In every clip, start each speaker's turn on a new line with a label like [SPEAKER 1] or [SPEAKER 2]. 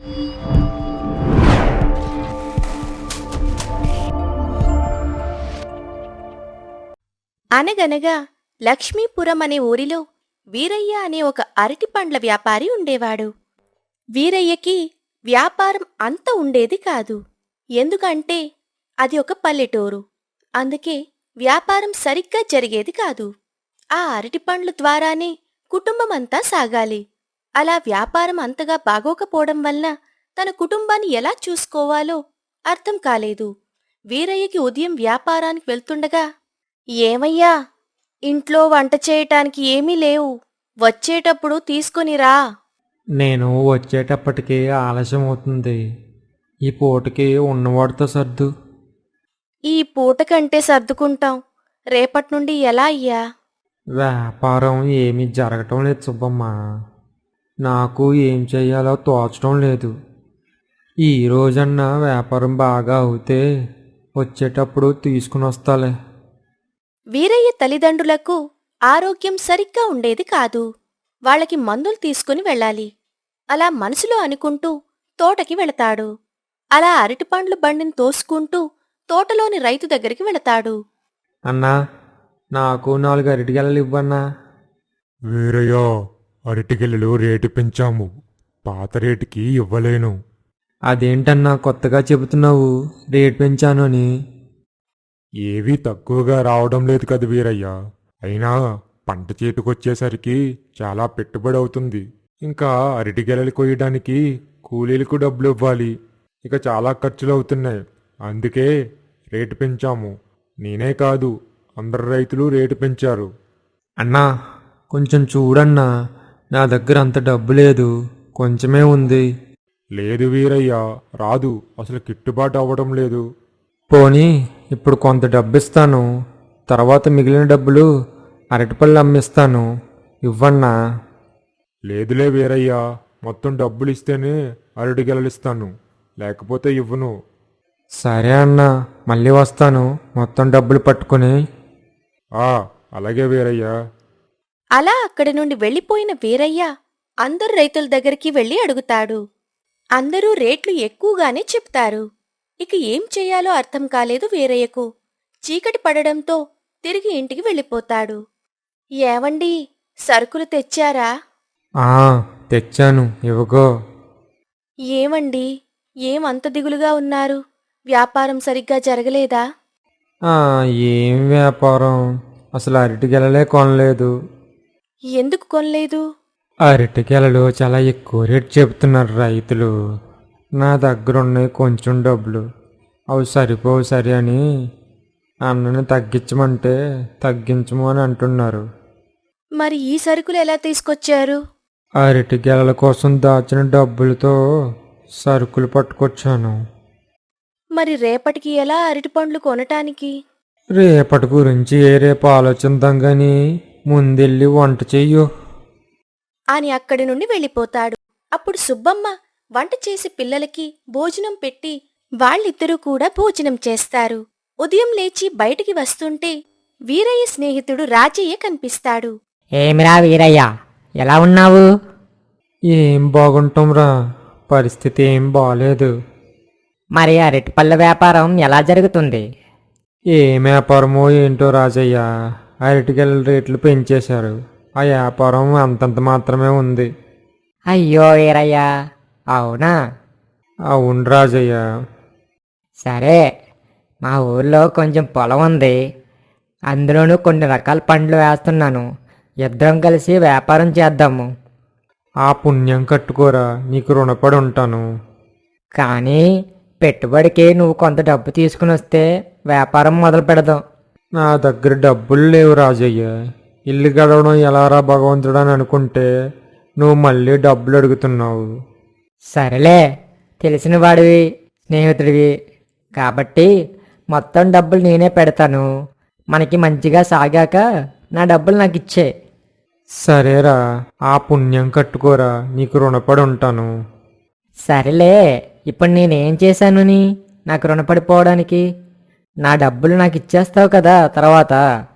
[SPEAKER 1] అనగనగా లక్ష్మీపురం అనే ఊరిలో వీరయ్య అనే ఒక అరటిపండ్ల వ్యాపారి ఉండేవాడు. వీరయ్యకి వ్యాపారం అంత ఉండేది కాదు. ఎందుకంటే అది ఒక పల్లెటూరు. అందుకే వ్యాపారం సరిగ్గా జరిగేది కాదు. ఆ అరటిపండ్ల ద్వారానే కుటుంబమంతా సాగాలి. అలా వ్యాపారం అంతగా బాగోకపోవడం వల్ల తన కుటుంబాన్ని ఎలా చూసుకోవాలో అర్థం కాలేదు. వీరయ్యకి ఉదయం వ్యాపారానికి వెళ్తుండగా, ఏమయ్యా, ఇంట్లో వంట చేయటానికి ఏమీ లేవు, వచ్చేటప్పుడు తీసుకునిరా.
[SPEAKER 2] నేను వచ్చేటప్పటికి ఆలస్యం అవుతుంది. ఈ పూటకి ఉన్నవాడితో సర్దు.
[SPEAKER 1] ఈ పూటకంటే సర్దుకుంటాం, రేపట్నుండి ఎలా అయ్యా?
[SPEAKER 2] వ్యాపారం ఏమీ జరగటం లేదు సుబ్బమ్మ. నాకు ఏం చెయ్యాలో తోచడం లేదు. ఈ రోజన్నా వ్యాపారం బాగా అవుతే వచ్చేటప్పుడు తీసుకుని వస్తాలే.
[SPEAKER 1] వీరయ్య తల్లిదండ్రులకు ఆరోగ్యం సరిగ్గా ఉండేది కాదు. వాళ్ళకి మందులు తీసుకుని వెళ్ళాలి. అలా మనసులో అనుకుంటూ తోటకి వెళతాడు. అలా అరటిపండ్లు బండిని తోసుకుంటూ తోటలోని రైతు దగ్గరికి వెళతాడు.
[SPEAKER 2] అన్నా, నాకు 4 అరటిగెలలు ఇవ్వన్నా.
[SPEAKER 3] వీరయ్య, అరటిగెలలు రేటు పెంచాము, పాత రేటుకి ఇవ్వలేను.
[SPEAKER 2] అదేంటన్నా కొత్తగా చెబుతున్నావు రేట్ పెంచాను అని?
[SPEAKER 3] ఏవీ తక్కువగా రావడం లేదు కదా వీరయ్య. అయినా పంట చేతికొచ్చేసరికి చాలా పెట్టుబడి అవుతుంది. ఇంకా అరటిగెలలు కొయ్యడానికి కూలీలకు డబ్బులు ఇవ్వాలి. ఇక చాలా ఖర్చులు అవుతున్నాయి. అందుకే రేటు పెంచాము. నేనే కాదు, అందరు రైతులు రేటు పెంచారు.
[SPEAKER 2] అన్నా, కొంచెం చూడన్నా, నా దగ్గర అంత డబ్బు లేదు, కొంచెమే ఉంది.
[SPEAKER 3] లేదు వీరయ్య, రాదు. అసలు గిట్టుబాటు అవ్వడం లేదు.
[SPEAKER 2] పోనీ ఇప్పుడు కొంత డబ్బు ఇస్తాను, తర్వాత మిగిలిన డబ్బులు అరటిపళ్ళు అమ్మిస్తాను, ఇవ్వన్నా.
[SPEAKER 3] లేదులే వీరయ్య, మొత్తం డబ్బులు ఇస్తేనే అరటిగెలలు ఇస్తాను, లేకపోతే ఇవ్వను.
[SPEAKER 2] సరే అన్నా, మళ్ళీ వస్తాను మొత్తం డబ్బులు పట్టుకుని.
[SPEAKER 3] అలాగే వీరయ్య.
[SPEAKER 1] అలా అక్కడి నుండి వెళ్ళిపోయిన వీరయ్య అందరు రైతుల దగ్గరికి వెళ్లి అడుగుతాడు. అందరూ రేట్లు ఎక్కువగానే చెప్తారు. ఇక ఏం చెయ్యాలో అర్థం కాలేదు వీరయ్యకు. చీకటి పడడంతో తిరిగి ఇంటికి వెళ్ళిపోతాడు. ఏవండి, సరుకులు తెచ్చారా?
[SPEAKER 2] తెచ్చాను, ఇవ్వగో.
[SPEAKER 1] ఏమండి, ఏమంత దిగులుగా ఉన్నారు? వ్యాపారం సరిగ్గా జరగలేదా?
[SPEAKER 2] ఏం వ్యాపారం, అసలు అరటిగెలలే కొనలేదు.
[SPEAKER 1] ఎందుకు కొనలేదు?
[SPEAKER 2] అరటిగెలలు చాలా ఎక్కువ రేటు చెబుతున్నారు రైతులు. నా దగ్గర ఉన్నాయి కొంచెం డబ్బులు, అవి సరిపోవు సరే అని అన్నని తగ్గించమంటే తగ్గించము అని అంటున్నారు.
[SPEAKER 1] మరి ఈ సరుకులు ఎలా తీసుకొచ్చారు?
[SPEAKER 2] అరటిగెలల కోసం దాచిన డబ్బులతో సరుకులు పట్టుకొచ్చాను.
[SPEAKER 1] మరి రేపటికి ఎలా అరటిపండ్లు కొనటానికి?
[SPEAKER 2] రేపటి గురించి రేపు ఆలోచిద్దాం గాని ముందెళ్ళి వంట చెయ్యు
[SPEAKER 1] అని అక్కడి నుండి వెళ్ళిపోతాడు. అప్పుడు సుబ్బమ్మ వంట చేసి పిల్లలకి భోజనం పెట్టి వాళ్ళిద్దరూ కూడా భోజనం చేస్తారు. ఉదయం లేచి బయటికి వస్తుంటే వీరయ్య స్నేహితుడు రాజయ్య కనిపిస్తాడు.
[SPEAKER 4] ఏమిరా వీరయ్య, ఎలా ఉన్నావు?
[SPEAKER 2] ఏం బాగుంటాంరా, పరిస్థితి ఏం బాలేదు.
[SPEAKER 4] మరి అరటిపళ్ళ వ్యాపారం ఎలా జరుగుతుంది?
[SPEAKER 2] ఏం వ్యాపారమో ఏంటో రాజయ్య, అరటిగెల రేట్లు పెంచేశారు. ఆ వ్యాపారం అంతంత మాత్రమే ఉంది.
[SPEAKER 4] అయ్యో వీరయ్య, అవునా?
[SPEAKER 2] అవును రాజయ్య.
[SPEAKER 4] సరే, మా ఊర్లో కొంచెం పొలం ఉంది, అందులోనూ కొన్ని రకాల పండ్లు వేస్తున్నాను. ఇద్దరం కలిసి వ్యాపారం చేద్దాము.
[SPEAKER 2] ఆ పుణ్యం కట్టుకోరా, నీకు రుణపడి ఉంటాను.
[SPEAKER 4] కానీ పెట్టుబడికి నువ్వు కొంత డబ్బు తీసుకుని వస్తే వ్యాపారం మొదలు పెడదాం.
[SPEAKER 2] నా దగ్గర డబ్బులు లేవు రాజయ్య. ఇల్లు గడవడం ఎలారా భగవంతుడు అని అనుకుంటే నువ్వు మళ్ళీ డబ్బులు అడుగుతున్నావు.
[SPEAKER 4] సరేలే, తెలిసిన వాడివి, స్నేహితుడివి కాబట్టి మొత్తం డబ్బులు నేనే పెడతాను. మనకి మంచిగా సాగాక నా డబ్బులు నాకు ఇచ్చే.
[SPEAKER 2] సరేరా, ఆ పుణ్యం కట్టుకోరా, నీకు రుణపడి ఉంటాను.
[SPEAKER 4] సరేలే, ఇప్పుడు నేనేం చేశానుని నాకు రుణపడిపోవడానికి? నా డబ్బులు నాకు ఇచ్చేస్తావు కదా తర్వాత?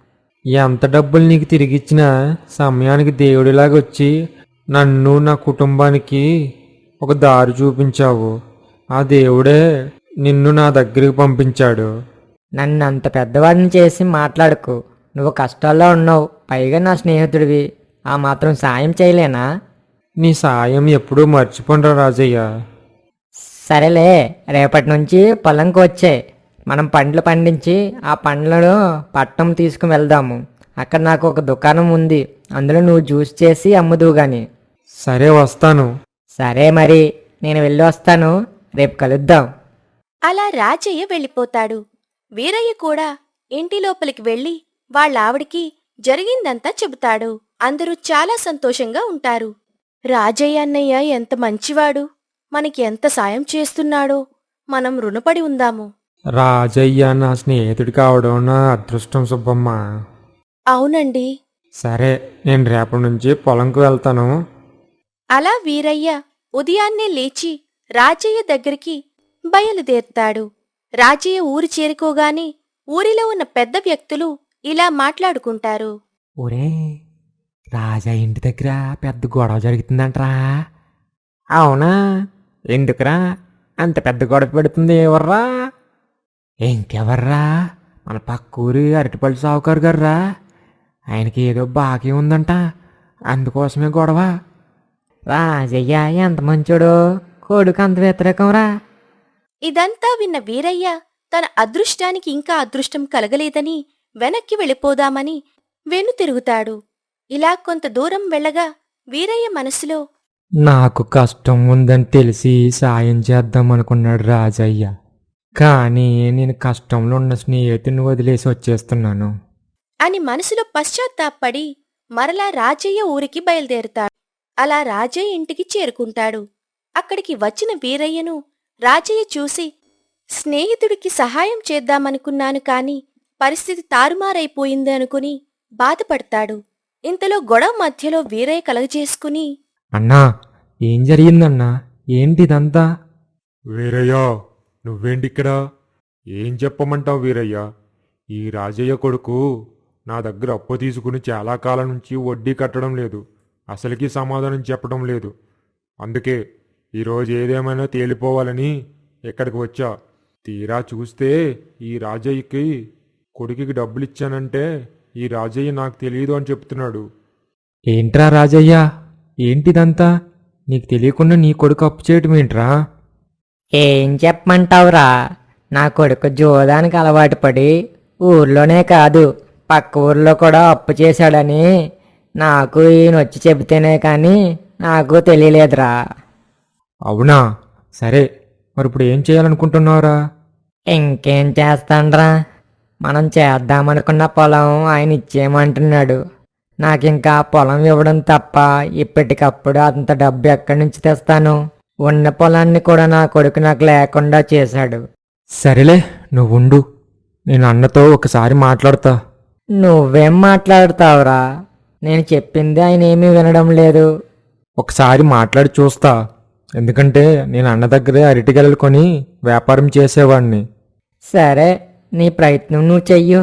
[SPEAKER 2] ఎంత డబ్బులు నీకు తిరిగిచ్చినా సమయానికి దేవుడిలాగా వచ్చి నన్ను నా కుటుంబానికి ఒక దారి చూపించావు. ఆ దేవుడే నిన్ను నా దగ్గరికి పంపించాడు.
[SPEAKER 4] నన్ను అంత పెద్దవాడిని చేసి మాట్లాడకు. నువ్వు కష్టాల్లో ఉన్నావు, పైగా నా స్నేహితుడివి. ఆ మాత్రం సాయం చేయలేనా?
[SPEAKER 2] నీ సాయం ఎప్పుడూ మర్చిపోండ్రా రాజయ్య.
[SPEAKER 4] సరేలే, రేపటి నుంచి పొలంకి వచ్చే మనం పండ్లు పండించి ఆ పండ్లను పట్నం తీసుకుని వెళ్దాము. అక్కడ నాకు ఒక దుకాణం ఉంది, అందులో నువ్వు జ్యూస్ చేసి అమ్ముదువు గాని.
[SPEAKER 2] సరే, వస్తాను.
[SPEAKER 4] సరే మరి, నేను వెళ్ళి వస్తాను. రేపు కలుద్దాం.
[SPEAKER 1] అలా రాజయ్య వెళ్ళిపోతాడు. వీరయ్య కూడా ఇంటి లోపలికి వెళ్ళి వాళ్ళావిడికి జరిగిందంతా చెబుతాడు. అందరూ చాలా సంతోషంగా ఉంటారు. రాజయ్య అన్నయ్య ఎంత మంచివాడు, మనకి ఎంత సాయం చేస్తున్నాడో, మనం రుణపడి ఉందాము.
[SPEAKER 2] రాజయ్య నా స్నేహితుడి కావడం నా అదృష్టం సుబ్బమ్మ.
[SPEAKER 1] అవునండి.
[SPEAKER 2] సరే, నేను రేపటి నుంచి పొలంకు వెళ్తాను.
[SPEAKER 1] అలా వీరయ్య ఉదయాన్నే లేచి రాజయ్య దగ్గరికి బయలుదేరుతాడు. రాజయ్య ఊరు చేరుకోగానే ఊరిలో ఉన్న పెద్ద వ్యక్తులు ఇలా మాట్లాడుకుంటారు.
[SPEAKER 2] ఒరే, రాజా ఇంటి దగ్గర పెద్ద గొడవ జరుగుతుందంట్రా. అవునా? ఎందుకురా అంత పెద్ద గొడవ పెడుతుంది? ఎవర్రా? ఇంకెవర్రా, మన పక్కూరి అరటిపళ్ళు సావుకారు గారురా. ఆయనకి ఏదో బాకీ ఉందంట, అందుకోసమే గొడవ.
[SPEAKER 4] రాజయ్య ఎంత మంచోడో, కొడుకు అంత వ్యతిరేకంరా.
[SPEAKER 1] ఇదంతా విన్న వీరయ్య తన అదృష్టానికి ఇంకా అదృష్టం కలగలేదని వెనక్కి వెళ్ళిపోదామని వెనుతిరుగుతాడు. ఇలా కొంత దూరం వెళ్ళగా వీరయ్య మనసులో,
[SPEAKER 2] నాకు కష్టం ఉందని తెలిసి సాయం చేద్దామనుకున్నాడు రాజయ్య. కానీ నేను కష్టంలో ఉన్న స్నేహితుని వదిలేసి వచ్చేస్తున్నాను
[SPEAKER 1] అని మనసులో పశ్చాత్తాపడి మరలా రాజయ్య ఊరికి బయలుదేరుతాడు. అలా రాజయ్య ఇంటికి చేరుకుంటాడు. అక్కడికి వచ్చిన వీరయ్యను రాజయ్య చూసి, స్నేహితుడికి సహాయం చేద్దామనుకున్నాను కాని పరిస్థితి తారుమారైపోయింది అనుకుని బాధపడతాడు. ఇంతలో గొడవ మధ్యలో వీరయ్య కలగజేసుకుని,
[SPEAKER 2] అన్నా, ఏం జరిగిందన్నా? ఏంటిదంతా?
[SPEAKER 3] వీరయ్య, నువ్వేంటిక్కడ? ఏం చెప్పమంటావు వీరయ్య? ఈ రాజయ్య కొడుకు నా దగ్గర అప్పు తీసుకుని చాలా కాలం నుంచి వడ్డీ కట్టడం లేదు, అసలుకి సమాధానం చెప్పడం లేదు. అందుకే ఈరోజు ఏదేమైనా తేలిపోవాలని ఇక్కడికి వచ్చా. తీరా చూస్తే ఈ రాజయ్యకి కొడుకుకి డబ్బులు ఇచ్చానంటే ఈ రాజయ్య నాకు తెలియదు అని చెప్తున్నాడు.
[SPEAKER 2] ఏంట్రా రాజయ్య, ఏంటిదంతా? నీకు తెలియకుండా నీ కొడుకు అప్పు చేయటం ఏంట్రా?
[SPEAKER 4] ఏం చెప్పమంటావురా, నా కొడుకు జోదానికి అలవాటు పడి ఊర్లోనే కాదు పక్క ఊర్లో కూడా అప్పు చేశాడని నాకు ఈయన వచ్చి చెబితేనే కానీ నాకు తెలియలేదురా.
[SPEAKER 2] అవునా? సరే, మరి ఇప్పుడు ఏం చేయాలనుకుంటున్నావురా?
[SPEAKER 4] ఇంకేం చేస్తాండ్రా, మనం చేద్దామనుకున్న పొలం ఆయన ఇచ్చేయమంటున్నాడు. నాకింకా పొలం ఇవ్వడం తప్ప ఇప్పటికప్పుడు అంత డబ్బు ఎక్కడి నుంచి తెస్తాను? ఉన్న పొలాన్ని కూడా నా కొడుకు నాకు లేకుండా చేశాడు.
[SPEAKER 2] సరేలే, నువ్వుండు, నేను అన్నతో ఒకసారి మాట్లాడతా.
[SPEAKER 4] నువ్వేం మాట్లాడుతావురా? నేను చెప్పింది ఆయన ఏమీ వినడం లేదు.
[SPEAKER 2] ఒకసారి మాట్లాడి చూస్తా. ఎందుకంటే నేను అన్న దగ్గరే అరటిగెలలు కొని వ్యాపారం చేసేవాడిని.
[SPEAKER 4] సరే, నీ ప్రయత్నం నువ్వు చెయ్యు.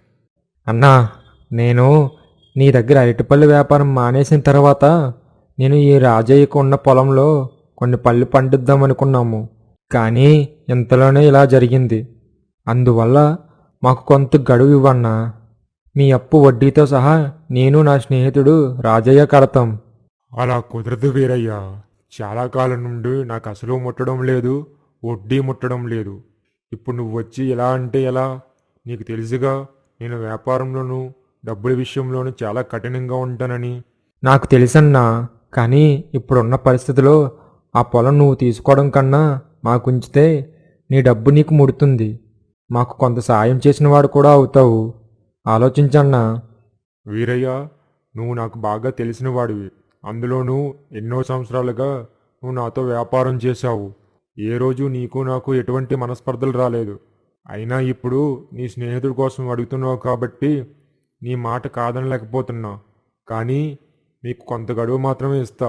[SPEAKER 2] అన్నా, నేను నీ దగ్గర అరటిపళ్ళు వ్యాపారం మానేసిన తర్వాత నేను ఈ రాజయ్యకు ఉన్న పొలంలో కొన్ని పళ్ళు పండిద్దామనుకున్నాము. కానీ ఇంతలోనే ఇలా జరిగింది. అందువల్ల మాకు కొంత గడువు ఇవ్వన్నా. మీ అప్పు వడ్డీతో సహా నేను నా స్నేహితుడు రాజయ్య కడతాం.
[SPEAKER 3] అలా కుదరదు వీరయ్య. చాలా కాలం నుండి నాకు అసలు ముట్టడం లేదు, వడ్డీ ముట్టడం లేదు. ఇప్పుడు నువ్వు వచ్చి ఎలా అంటే ఎలా? నీకు తెలుసుగా, నేను వ్యాపారంలోనూ డబ్బుల విషయంలోనూ చాలా కఠినంగా ఉంటానని.
[SPEAKER 2] నాకు తెలుసన్నా, కానీ ఇప్పుడున్న పరిస్థితిలో ఆ పొలం నువ్వు తీసుకోవడం కన్నా మాకుంచితే నీ డబ్బు నీకు ముడుతుంది. మాకు కొంత సాయం చేసిన వాడు కూడా అవుతావు. ఆలోచించన్నా.
[SPEAKER 3] వీరయ్య, నువ్వు నాకు బాగా తెలిసిన వాడివి. అందులోనూ ఎన్నో సంవత్సరాలుగా నువ్వు నాతో వ్యాపారం చేశావు. ఏ రోజు నీకు నాకు ఎటువంటి మనస్పర్ధలు రాలేదు. అయినా ఇప్పుడు నీ స్నేహితుడి కోసం అడుగుతున్నావు కాబట్టి నీ మాట కాదనలేకపోతున్నా. కానీ నీకు కొంత గడువు మాత్రమే ఇస్తా.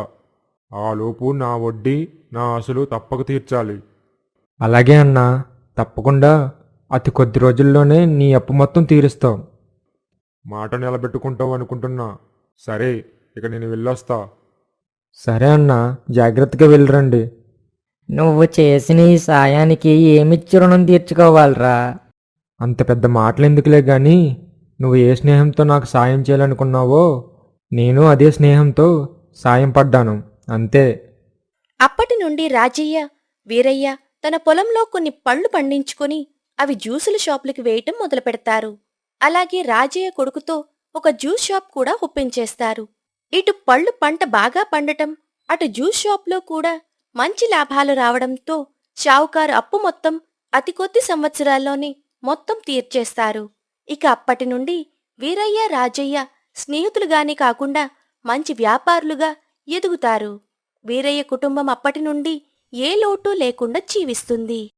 [SPEAKER 3] ఆలోపు నా వడ్డీ, నా అసలు తప్పక తీర్చాలి.
[SPEAKER 2] అలాగే అన్నా, తప్పకుండా అతి కొద్ది రోజుల్లోనే నీ అప్పు మొత్తం తీరుస్తాం.
[SPEAKER 3] మాట నిలబెట్టుకుంటావు అనుకుంటున్నా. సరే, ఇక నేను వెళ్ళొస్తా.
[SPEAKER 2] సరే అన్నా, జాగ్రత్తగా వెళ్ళరండి.
[SPEAKER 4] నువ్వు చేసిన ఈ సాయానికి ఏమిచ్చి రుణం తీర్చుకోవాలిరా?
[SPEAKER 2] అంత పెద్ద మాటలు ఎందుకులే గాని నువ్వు ఏ స్నేహంతో నాకు సాయం చేయాలనుకున్నావో నేను అదే స్నేహంతో సాయం పడ్డాను అంతే.
[SPEAKER 1] అప్పటి నుండి రాజయ్య వీరయ్య తన పొలంలో కొన్ని పళ్ళు పండించుకొని అవి జ్యూసుల షాపులకి వేయటం మొదలుపెడతారు. అలాగే రాజయ్య కొడుకుతో ఒక జ్యూస్ షాప్ కూడా ఒప్పించేస్తారు. ఇటు పళ్ళు పంట బాగా పండటం, అటు జ్యూస్ షాప్లో కూడా మంచి లాభాలు రావడంతో షావుకారు అప్పు మొత్తం అతి కొద్ది సంవత్సరాల్లోనే మొత్తం తీర్చేస్తారు. ఇక అప్పటి నుండి వీరయ్య రాజయ్య స్నేహితులుగానే కాకుండా మంచి వ్యాపారులుగా ఎదుగుతారు. వీరయ్య కుటుంబం అప్పటి నుండి ఏ లోటు లేకుండా జీవిస్తుంది.